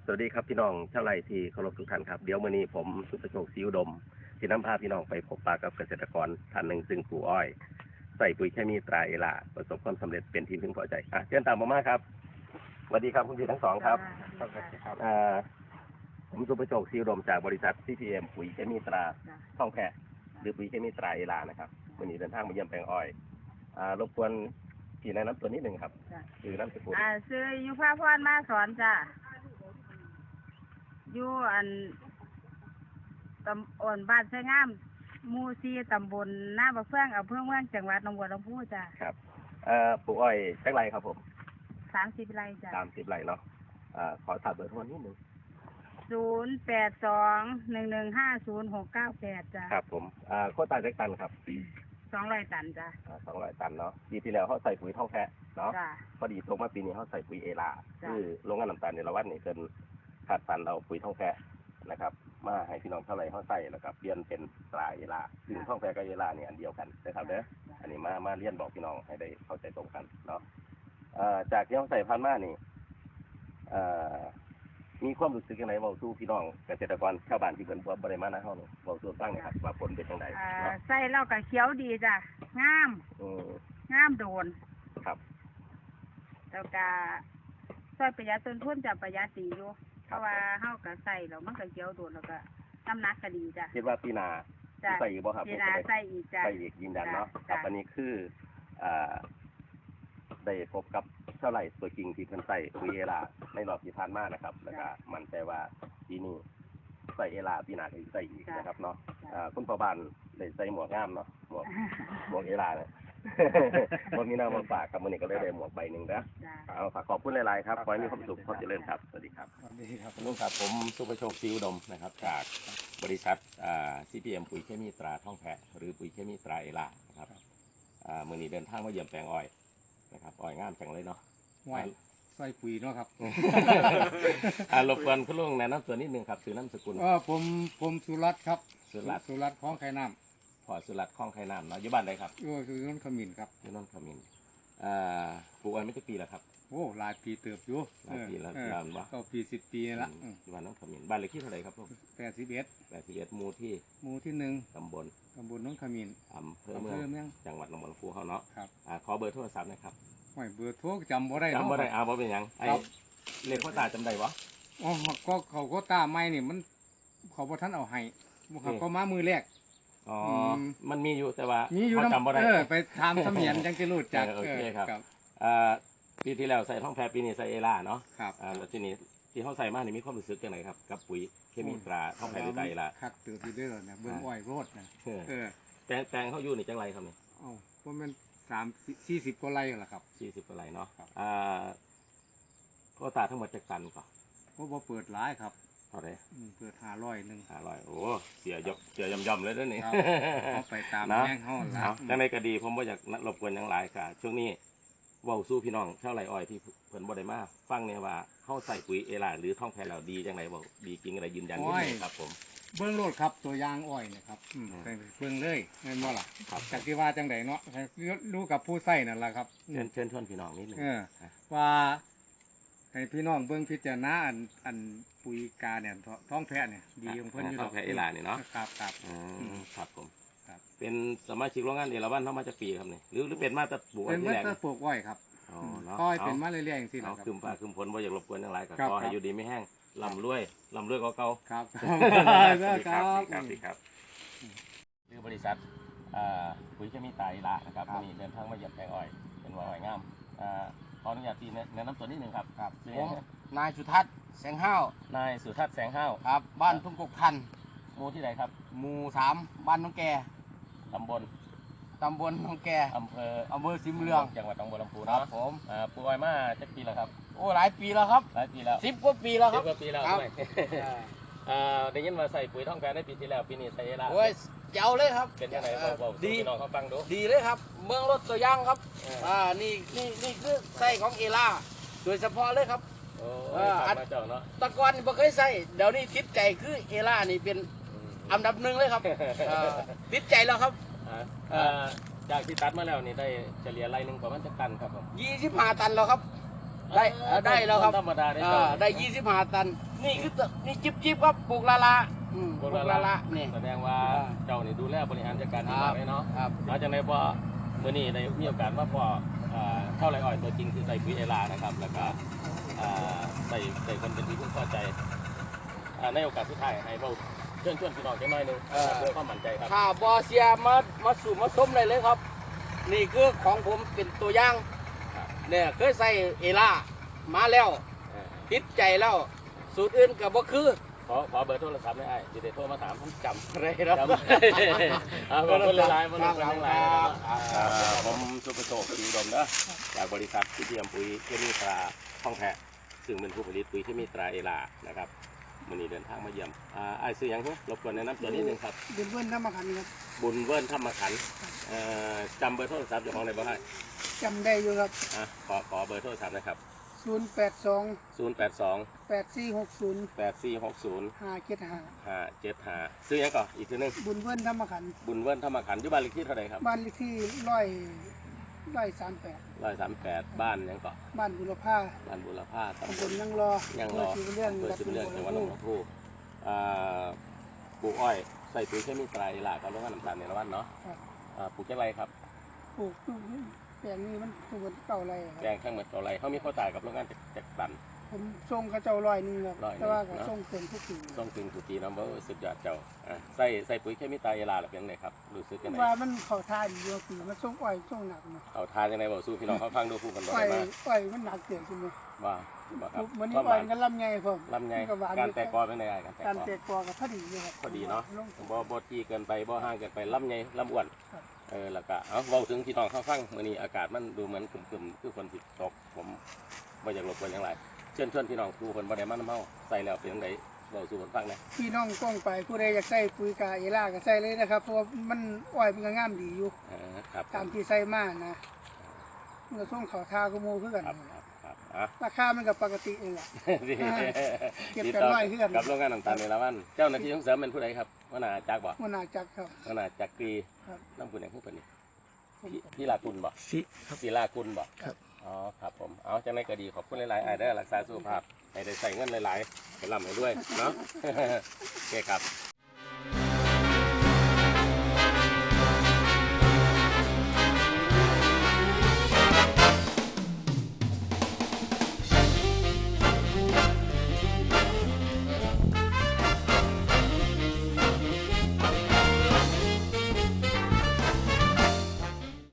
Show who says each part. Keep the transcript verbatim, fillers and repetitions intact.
Speaker 1: วัสดีครับพี่น้องชาวไร่ที่เคารพทุกท่านครับเดี๋ยวมื้อนี้ผมสุประโชคศรีอุดมที่นำพาพี่น้องไปพบปะกับเกษตรกรท่านหนึ่งซึ่งปลูกอ้อยใส่ปุ๋ยเคมีตราเอลาประสบความสำเร็จเป็นที่พึงพอใจอ่ะเชิญตามผมมาครับสวัสดีครับคุณพี่ทั้งสองครับอ่าผมสุประโชคศรีอุดมจากบริษัท ซี พี เอ็ม ปุ๋ยเคมีตราท่องแพะหรือปุ๋ยเคมีตราเอลานะครับวันนี้เดินทางมาเยี่ยมแปลงอ้อยอ่ารบกวนพี่แนะนำตัวนิดหนึ่งครับคือน้ำสกุล
Speaker 2: อ่าซื้ออยู่พระพรมาสอนจ้ะอยู่อันตำอ่อนบ้านไชงามหมู่ซีตำบลหน้าบักเฟื่องอำเภอเมืองจังหวัดหนองบัวลำพูจ้ะ
Speaker 1: ครับเอ่อปลูกอ้อยแค่ไรครับผม
Speaker 2: สามสิบไร่จ้ะ
Speaker 1: สามสิบไร่เนาะอ่าขอถามเบอร์โทรนิดหนึ่ง
Speaker 2: ศูนย์แปดสองหนึ่งหนึ่งห้าศูนย์หกเก้าแปดจ้ะ
Speaker 1: ครับผมอ่าโควต้าแจ็คตันครับ
Speaker 2: สองร้อยตันจ้ะ
Speaker 1: อ่าสองร้อยตันเนาะปีที่แล้วเขาใส่ปุ๋ยท่องแพะเนาะพอดีตรงมาปีนี้เขาใส่ปุ๋ยเอลาคือโรงงานน้ำตาลในละวันนี่เป็นขาดตันเราปุ๋ยท่องแพะนะครับมาให้พี่น้องเท่าไรเขาใส่แล้วก็เปลี่ยนเป็นตราเอลาซึ่งท่องแพะกับเอลาเนี่ยอันเดียวกันนะครับเด้ออันนี้มามาเรียนบอกพี่น้องให้ได้เข้าใจตรงกันเนาะอ่าจากที่เขาใส่พันมานี่อ่ามีความรู้สึกยังไงเบาสู้พี่น้องเกษตรกรชาวบ้านที่เพิ่นบริมาณนะเฮาเนี่ยเบาสู้ตั้งนะครับว่าผลเป็นยังไง
Speaker 2: ใส่แล้วก็เขียวดีจ้ะงามงามโดน
Speaker 1: ครับ
Speaker 2: แล้วก็ช่วยประหยัดต้นทุนจะประหยัดดีอยู่เพราะว่าเฮาก็ใส่แล้วมันก็เขียวโดนแล้วก็น้ำหนักก็ดีจ้ะ
Speaker 1: คิดว่าปีหน้าใส่อีกบ่ครับ
Speaker 2: ปีหน้าใส่อีกจ้ะ
Speaker 1: ใส่อีกยืนยันเนาะครับอันนี้คืออ่าได้พบกับเท่าไหร่ตัวจริงที่เพิ่นใส่ปุ๋ยเอลาในรอบที่ผ่านมานะครับแล้วก็มั่นใจว่าปีนี้ใส่เอลาปีหน้าก็ใส่อีกนะครับเนาะอ่าคุณพ่อบ้านได้ใส่หมวกงามเนาะหมวกหมวกเอลาเนี่ยวันนี้นามาฝากกับมื้อนี้ก็เลยได้หมวกใบหนึ่งนะเอาฝากขอบคุณหลายๆครับขอให้มีความสุขความเจริญครับสวัสดีครับ
Speaker 3: สวัสดีครับ
Speaker 1: ลุงครับผมสุประโชคศรีอุดมนะครับจากบริษัทอ่า ซี พี เอ็ม ปุ๋ยเคมีตราท่องแพะหรือปุ๋ยเคมีตราเอลานะครับอ่ามื้อนี้เดินทางมาเยี่ยมแปลงอ้อยนะครับอ้อยงามจังเลยเนาะ
Speaker 3: อ้อยใส่ปุ๋ยเนาะครับ
Speaker 1: อ่ารบกวนคุณลุงแนะนำตัวนิดนึงครับชื่อนามสกุล
Speaker 3: เออผมผมสุรัตน์ครับ
Speaker 1: สุรัตน์
Speaker 3: สุรัตน์ของไข่น้ำ
Speaker 1: พอสุรัตน์คลองไข่น้ำเนาะอยู่บ้านใดครับ
Speaker 3: อยู่อยู่นนทขมิ้นครับ
Speaker 1: อยู่นนทขมิ้นอ่าปลูกอ้อยไม่กี่ปีแล้วครับ
Speaker 3: โอ้หลายปีเติบอยู่
Speaker 1: หลายปีแล้วนานวะ
Speaker 3: ก็ปีสิบปีละ
Speaker 1: อยู่บ้านนนทขมิ้นบ้านเลขที่เท่าไหร่ครับผม
Speaker 3: แปดสิบเอ็ด
Speaker 1: แปดสิบเอ็ดหมู่ที่
Speaker 3: หมู่ที่หนึ่ง
Speaker 1: ตำบล
Speaker 3: ตำบลนนทขมิ้น
Speaker 1: อำเภอเมืองจังหวัดหนองบัวลำพูเขาเนาะ
Speaker 3: ครับ
Speaker 1: อ่าขอเบอร์โทรศัพท์นะครับ
Speaker 3: ไม่เบอร์โทรจำบ่ได้
Speaker 1: จำบ่ได้เอาบ่เป็นยังไอ้เลขข้อตาจำได้วะ
Speaker 3: อ๋อก็เขาก็ตาไม่นี่มันเขาบ่ท่านเอาให้เขาก็มามือแรก
Speaker 1: อ๋อมันมีอยู่แต่ว่า
Speaker 3: มีอยู่
Speaker 1: จำบ่ได้
Speaker 3: เออไปทำเสมียนจังจะรู้จัก
Speaker 1: โอเคครับอ่าปีที่แล้วใส่ท่องแพปีนี้ใส่เอล่าเนาะ
Speaker 3: ครับ
Speaker 1: อ่าแล้วทีนี้ที่เขาใส่มานี่มีความรู้สึกยังไงครับกับปุ๋ยเคมีตราท่องแพหรือไตรล่ะ
Speaker 3: คักตื่นที่ได้แล้วเนี่ยเบิ่งอ้อยโรดนะ
Speaker 1: เออแปลงแปลงเขาอยู่นี่จังไรครับนี่
Speaker 3: อ๋อเพราะมันสามสี่สิบกว่าไร่แหละครับ
Speaker 1: สี่สิบกว่าไร่เนาะอ่าก็ตาทั้งหมดจากตันก่อน
Speaker 3: เพราะว่าเปิดร้ายครับ
Speaker 1: เท่าไหร่
Speaker 3: เปิดห้าร้อยหนึ่ง
Speaker 1: ห้าร้อยโอ้เสียยกเสียยำยำเลยด้วยนี่
Speaker 3: เขาไปตามแง่งห้อง
Speaker 1: แล้วจังในก็ดีผมว่าอยากรบกวนยังหลายค่ะช่วงนี้ว่าสู้พี่น้องเท่าไรอ้อยที่เพิ่นบ่ได้มาฟังเนี่ยว่าเข้าใส่ปุ๋ยเอลาหรือท่องแพเราดีจังไรบอกดีจริงอะไรยืนยันได้ครับผม
Speaker 3: เบื้องโลดครับตัวยางอ้อยนะครับเบื้องเลยเงินว่าล่ะจากที่ว่าจังไดเนาะรู้กับผู้ใส่นั่นแหละครับ
Speaker 1: เชิญเชิญชวนพี่น้องนิดนึง
Speaker 3: ว่าให้พี่น้องเบื้องพิจารณาอันอันปุ๋ยกาเนี่ยท้องแพะเนี่ยดีของเพิ่นอยู่
Speaker 1: ท่องแพเอลาเนี่ยเนาะ
Speaker 3: ครับครับ
Speaker 1: ครับผมเป็นสมาชิกโรงงานเอราวัณเข้ามาจากปีครับเนี่ยหรือหรือเป็นมาตรปลูก
Speaker 3: เป็นมาตรปลูกอ้อยครับ
Speaker 1: อ๋อเนาะ
Speaker 3: ก็เป็นมาเรื่อยๆอย่างที่
Speaker 1: เราคืมฟ้าคืมฝนว่าอยากรบกวนอย่างไรก็ขอให้อยู่ดีไม่แห้งลำรวยลำรวยก็เก่า
Speaker 3: ครับ
Speaker 1: ครับครับครับคือบริษัทปุ๋ยเคมีตราเอลานะครับวันนี้เดินทางมาเยี่ยมแปลงอ้อยเป็นว่าอ้อยงามขออนุญาตที่แนะนำตัวนิดนึงครับ
Speaker 4: ครับนายสุทัศน์แสงห้าวน
Speaker 1: ายสุทัศน์แสงห้าว
Speaker 4: ครับบ้านทุ่งกกทัน
Speaker 1: หมู่ที่ไหนครับ
Speaker 4: หมู่สามบ้านน้องแก
Speaker 1: ตำบล
Speaker 4: ตำบลน้องแก
Speaker 1: อำเภอ
Speaker 4: อำเภอสิมเรือง
Speaker 1: จังหวัดหนองบัวลำพู
Speaker 4: ครับผม
Speaker 1: ปลูกอ้อยมาจะปีแล้วครับ
Speaker 4: โอ้หลายปีแล้วครับ
Speaker 1: หลายปีแล้ว
Speaker 4: สิบกว่าปีแล้วครับ
Speaker 1: สิบกว่าปีแล้วครับได้ยินว่าใส่ปุ๋ยท่องแพในปีที่แล้วปีนี้ใส่เอลา
Speaker 4: โอ้ยเจ้าเลยครับ
Speaker 1: เป็นยังไงบอกดีน้องเขาฟังดู
Speaker 4: ดีเลยครับเมืองรถตัวย่างครับอ่านี่นี่นี่คือใส่ของเอลาโดยเฉพาะเลยครับ
Speaker 1: โอ้มาเจ้าเนาะ
Speaker 4: ตะกอนไม่เคยใส่เดี๋ยวนี้ทิศใจคือเอลานี่เป็นอันดับหนึ่งเลยครับทิศใจแล้วครับ
Speaker 1: จากที่ตัดมาแล้วนี่ได้เฉลี่ยไร่หนึ่งประมาณจะตันครับผม
Speaker 4: ยี่สิบห้าตันแล้วครับได้เอ่อได้แล้วครับ
Speaker 5: ธรรมดาได้
Speaker 4: อ่า
Speaker 5: เจ้า
Speaker 4: ได้ยี่สิบห้าตัน นี่คือตัวนี่จิบจิบครับปลูกละละอืมป
Speaker 5: ปลู
Speaker 4: ลู
Speaker 5: ก
Speaker 4: ก
Speaker 5: ละ
Speaker 4: ละ
Speaker 5: ละ
Speaker 4: ละนี่
Speaker 5: แสดงว่าเจ้านี่ดูแลบริหารจัดการดี
Speaker 4: ครั
Speaker 5: มา
Speaker 4: บ
Speaker 5: กเลยเนาะ
Speaker 4: ครับ
Speaker 5: หลังจากนั้นพอมื่อนี้ได้มีโอกาสมาพออ่าเท่าไรอ่อยตัวจริงคือใส่ปุ๋ยเอลานะครับ แล้วก็อ่าใส่ใส่คนเป็นที่พึ่งพอใจอ่าในโอกาสสุดท้ายให้เราเชิญชวนพี่น้องจังหน่อยหนึงนะครับเพื่อความมั่นใจครับ
Speaker 4: ถ้าบอเสียมามาสู่มาส้มได้เลยครับ นี่คือของผมเป็นตัวอย่าง
Speaker 5: ครับ
Speaker 4: เนี่ยเคยใส่เอล่ามาแล้ว
Speaker 5: เออ
Speaker 4: ติดใจแล้ว สูตรอื่นกับบ่คือ
Speaker 5: ขอขอเบอร์โทรศัพท์ได้ไอ้จะได้โทรมาถาม
Speaker 4: ผมจำอะไรครับ
Speaker 5: จำเอาขอบคุณหลายๆขอบคุณหลายๆนะครับ
Speaker 1: อ่าผมสุภโชคศรีอุดมนะจากบริษัทที่เทียมปุ๋ยเคมีตราท่องแพะซึ่งเป็นผู้ผลิตปุ๋ยเคมีตราเอลานะครับวันนี้เดินทางมาเยี่ยมอ่าไอ้ายซื้อหยังฮะรบกวนแนะนำตัวนิดนึงครับ
Speaker 6: บุญเบิ้ลน้ำมาขันครับ
Speaker 1: บุญเวิร์นธรรมขันธ์เอ่อจำเบอร์โทรศัพท์เจ้าของได้บ่ให้
Speaker 6: จำได้อยู่ครับ
Speaker 1: อ่ะขอขอเบอร์โทรศัพท์นะครับ
Speaker 6: ศูนย์แปดสอง
Speaker 1: ศูนย์ แปด สอง
Speaker 6: แปดสี่หกศูนย์
Speaker 1: แปด สี่ หก ศูนย์
Speaker 6: ห้าเจ็ดห้า
Speaker 1: ห้า เจ็ด ห้าซื้อหยังก่อนอีกทีหนึง
Speaker 6: บุญเบิ้ลน้ำมาขัน
Speaker 1: บุญเวิร์นธรรมขันธ์อยู่บ้านเลขที่เท่าไหร่ครับ
Speaker 6: บ้านเลขที่ร้อยร้อยสามแปด
Speaker 1: ร้อยสามแปดบ้านหยังก่อน
Speaker 6: บ้านบุรพา
Speaker 1: บ้านบุรพา
Speaker 6: ตำ
Speaker 1: ตำ
Speaker 6: บบ ล
Speaker 1: ล
Speaker 6: ยังรอ
Speaker 1: ยังรอ
Speaker 6: เพื่อสิเรื่อง
Speaker 1: เปิดสิบเรื่องจังหวัดหนองบัวลำพูอ่าปลูกอ้อยใส่ปุ๋ยเคมีตราเอลากับโรงงานน้ำตาลในละวันเนาะ
Speaker 6: ครับ
Speaker 1: อ่าปลูกแค่ไรครับ
Speaker 6: ปลูกแปลงนี้มันตัวเก่าไรค
Speaker 1: แปล
Speaker 6: รับ
Speaker 1: งทั้งหมดเท่าไรเขามีข้าวตายกับโรงงานจากตัน
Speaker 6: ผมส่งเขาเจ้าร้อยหนึงครับ
Speaker 1: ร้อยหนึ่ง
Speaker 6: แต่ว่าก็
Speaker 1: เนอะ
Speaker 6: ส่งเต็มทุกปี
Speaker 1: ต้องถึงสุกีน้ำเบอร์สุดยอดเจ้าอ่าใส่ใส่ปุ๋ยเคมีตราเอลาหรือเป็นไงครับรู้สึกยังไง
Speaker 6: ว่ามันเข้าท่าดีอยู่ปีมันส่งอ้อยส่งหนักเนาะ
Speaker 1: เอาทานยังไงบอกสู้พี่น้องเขาฟังดูพูดกันบ่
Speaker 6: อ้อ
Speaker 1: ได้
Speaker 6: ย
Speaker 1: มา
Speaker 6: อ้อยมันหนักเกินใช่ไหม
Speaker 1: ว่าว่าครับ
Speaker 6: มันนี่
Speaker 1: ความห
Speaker 6: อ้อ
Speaker 1: วาย น
Speaker 6: กันลำไยผม
Speaker 1: ลำไย
Speaker 6: มันก็หวาน
Speaker 1: การแตกกอเป็นไงการแตก
Speaker 6: การ
Speaker 1: กอ
Speaker 6: แตกกอกับพอดีอยู่ครับ
Speaker 1: พอดีเนาะ
Speaker 6: ลง
Speaker 1: บ่บ่ที่เกินไปบ่ห่างเกินไปลำไยลำอ้วน
Speaker 6: ครับ
Speaker 1: เออแล้วก็เอาเว้าถึงพี่น้องเขาฟังมื้อนี้อากาศมันดูเหมือนครึมๆคือฝนสิตกผมบ่อยากรบกวนหยังไรเชิญชวนพี่น้องผู้คนบ่ได้มานำเฮาใส่แล้วเป็นจังไดเว้าสู่คนฟังแหน่
Speaker 6: พี่น้องกล้องไปผู้ใดอยากใส่ปุ๋ยกาเอล่าก็ใส่เลยนะครับเพราะว่ามันอ้อยมันก็งามดีอยู่
Speaker 1: เออครับ
Speaker 6: ตามที่ใส่มานะเมื่อส่งเขาทาก็โมคือกัน
Speaker 1: ครับครับครับอ่ะ
Speaker 6: ราคามันก็ปกติเองแหละ เก็บกัน
Speaker 1: ติดต่
Speaker 6: ไว้คือกัน
Speaker 1: กับโรงงานน้ำตาลในละวันเจ้าหน้าที่ส่งเสริมเป็นผู้ใดครับหัวหน้าจักรบ่
Speaker 6: มันน่าจักครับ
Speaker 1: หัวหน้าจักรี
Speaker 6: ครับ
Speaker 1: น้ำคุณหยังคือเพิ่นนี่พี่พี่ลากุลบ่
Speaker 6: สิครับ
Speaker 1: ศิลากุลบ่
Speaker 6: ครับ
Speaker 1: อ๋อครับผมเอาจังไดก็ดีขอบคุณหลายๆอ้ายได้อรักษาสุขภาพให้ได้ใส่เงินหลายๆให้ร่ำให้รวยเนาะ โอเคครับ